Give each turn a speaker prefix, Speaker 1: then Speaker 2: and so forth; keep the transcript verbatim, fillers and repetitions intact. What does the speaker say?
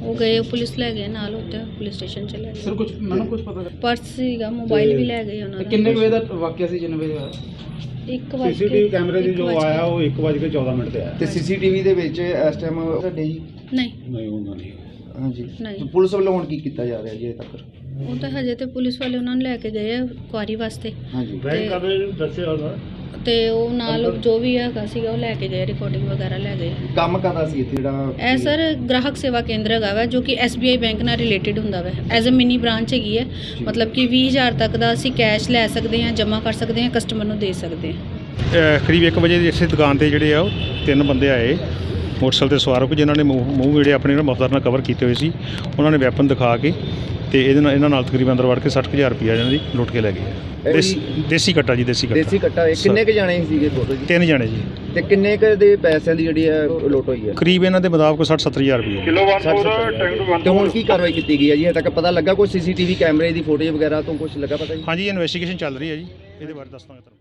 Speaker 1: ਉਹ ਗਏ ਪੁਲਿਸ ਲੈ ਗਏ ਨਾਲ ਉੱਤੇ ਪੁਲਿਸ ਸਟੇਸ਼ਨ ਚ ਲੈ ਗਏ।
Speaker 2: ਸਰ ਕੁਝ ਮੈਨੂੰ ਕੁਝ ਪਤਾ
Speaker 1: ਪਰਸ ਸੀਗਾ, ਮੋਬਾਈਲ ਵੀ ਲੈ ਗਏ ਉਹਨਾਂ ਦਾ।
Speaker 2: ਕਿੰਨੇ ਵਜੇ ਦਾ ਵਾਕਿਆ ਸੀ ਜਿੰਨੇ ਵਜੇ ਹੋਇਆ?
Speaker 1: ਇੱਕ ਵਜੇ
Speaker 3: ਸੀਸੀਟੀਵੀ ਕੈਮਰੇ ਦੀ ਜੋ ਆਇਆ ਉਹ ਇੱਕ ਵਜੇ ਕੇ ਚੌਦਾਂ ਮਿੰਟ ਤੇ ਆਇਆ
Speaker 4: ਤੇ ਸੀਸੀਟੀਵੀ ਦੇ ਵਿੱਚ ਇਸ ਟਾਈਮ ਤੁਹਾਡੇ ਜੀ
Speaker 1: ਨਹੀਂ
Speaker 3: ਨਹੀਂ ਹੁੰਦਾ ਨਹੀਂ
Speaker 4: ਹਾਂਜੀ
Speaker 1: ਨਹੀਂ।
Speaker 4: ਪੁਲਿਸ ਵੱਲੋਂ ਹੁਣ ਕੀ ਕੀਤਾ ਜਾ ਰਿਹਾ ਜੀ ਅਜੇ ਤੱਕ?
Speaker 1: ਉਹ ਤਾਂ ਹਜੇ ਤੇ ਪੁਲਿਸ ਵਾਲੇ ਉਹਨਾਂ ਨੂੰ ਲੈ ਕੇ ਗਏ ਆ ਕੁਆਰੀ ਵਾਸਤੇ
Speaker 4: ਹਾਂਜੀ
Speaker 3: ਬੈਂਕ ਕਾਦੇ ਦੱਸਿਆ ਉਹਦਾ
Speaker 1: ਤੇ ਉਹ ਨਾਲ ਜੋ ਵੀ ਹੈਗਾ ਸੀਗਾ ਉਹ ਲੈ ਕੇ ਗਏ, ਰਿਕਾਰਡਿੰਗ ਵਗੈਰਾ ਲੈ ਗਏ।
Speaker 4: ਕੰਮ ਕਰਦਾ ਸੀ ਇੱਥੇ ਜਿਹੜਾ
Speaker 1: ਇਹ ਸਰ ਗ੍ਰਾਹਕ ਸੇਵਾ ਕੇਂਦਰ ਹੈਗਾ ਵਾ ਜੋ ਕਿ ਐਸ ਬੀ ਆਈ ਬੈਂਕ ਨਾਲ ਰਿਲੇਟਡ ਹੁੰਦਾ ਵਾ। ਐਜ਼ ਅ ਮਿਨੀ ਬ੍ਰਾਂਚ ਹੈਗੀ ਹੈ, ਮਤਲਬ ਕਿ ਵੀਹ ਹਜ਼ਾਰ ਤੱਕ ਦਾ ਅਸੀਂ ਕੈਸ਼ ਲੈ ਸਕਦੇ ਹਾਂ, ਜਮ੍ਹਾਂ ਕਰ ਸਕਦੇ ਹਾਂ, ਕਸਟਮਰ ਨੂੰ ਦੇ ਸਕਦੇ ਹਾਂ।
Speaker 5: ਕਰੀਬ ਇੱਕ ਵਜੇ ਇਸੇ ਦੁਕਾਨ 'ਤੇ ਜਿਹੜੇ ਆ ਉਹ ਤਿੰਨ ਬੰਦੇ ਆਏ ਮੋਟਰਸਾਈਕਲ 'ਤੇ ਸਵਾਰ ਹੋ ਕੇ, ਜਿਨ੍ਹਾਂ ਨੇ ਮੂੰਹ ਮੂੰਹ ਜਿਹੜੇ ਆਪਣੇ ਮਫਲਰ ਨਾਲ ਕਵਰ ਕੀਤੇ ਹੋਏ ਸੀ। ਉਹਨਾਂ ਨੇ ਵੈਪਨ ਦਿਖਾ ਕੇ ਤੇ ਇਹਦੇ ਨਾਲ ਇਹਨਾਂ ਨਾਲ ਤਕਰੀਬਨ ਅੰਦਰ ਵੜ ਕੇ ਸੱਠ ਹਜ਼ਾਰ ਰੁਪਈਆ ਇਹਨਾਂ ਦੀ ਲੁੱਟ ਕੇ ਲੈ ਗਏ। ਦੇਸੀ ਦੇਸੀ ਕੱਟਾ ਜੀ, ਦੇਸੀ ਕੱਟਾ।
Speaker 4: ਦੇਸੀ ਕੱਟਾ ਕਿੰਨੇ ਕੁ ਜਾਣੇ ਸੀਗੇ ਟੋਟਲ ਜੀ?
Speaker 5: ਤਿੰਨ ਜਾਣੇ ਜੀ।
Speaker 4: ਤੇ ਕਿੰਨੇ ਕੁ ਦੇ ਪੈਸਿਆਂ ਦੀ ਜਿਹੜੀ ਹੈ ਲੁੱਟ ਹੋਈ ਹੈ?
Speaker 5: ਕਰੀਬ ਇਹਨਾਂ ਦੇ ਮੁਤਾਬਕ ਸੱਠ ਸੱਤਰ ਹਜ਼ਾਰ ਰੁਪਈਆ।
Speaker 4: ਤੇ ਹੁਣ ਕੀ ਕਾਰਵਾਈ ਕੀਤੀ ਗਈ ਹੈ ਜੀ? ਹਜੇ ਤੱਕ ਪਤਾ ਲੱਗਾ ਕੋਈ ਸੀਸੀਟੀਵੀ ਕੈਮਰੇ ਦੀ ਫੋਟੇਜ ਵਗੈਰਾ ਤੋਂ ਕੁਝ ਲੱਗਾ ਪਤਾ ਜੀ?
Speaker 5: ਹਾਂਜੀ, ਇਨਵੈਸਟੀਗੇਸ਼ਨ ਚੱਲ ਰਹੀ ਹੈ ਜੀ, ਇਹਦੇ ਬਾਰੇ ਦੱਸ ਦਾਂਗੇ ਤੁਹਾਨੂੰ।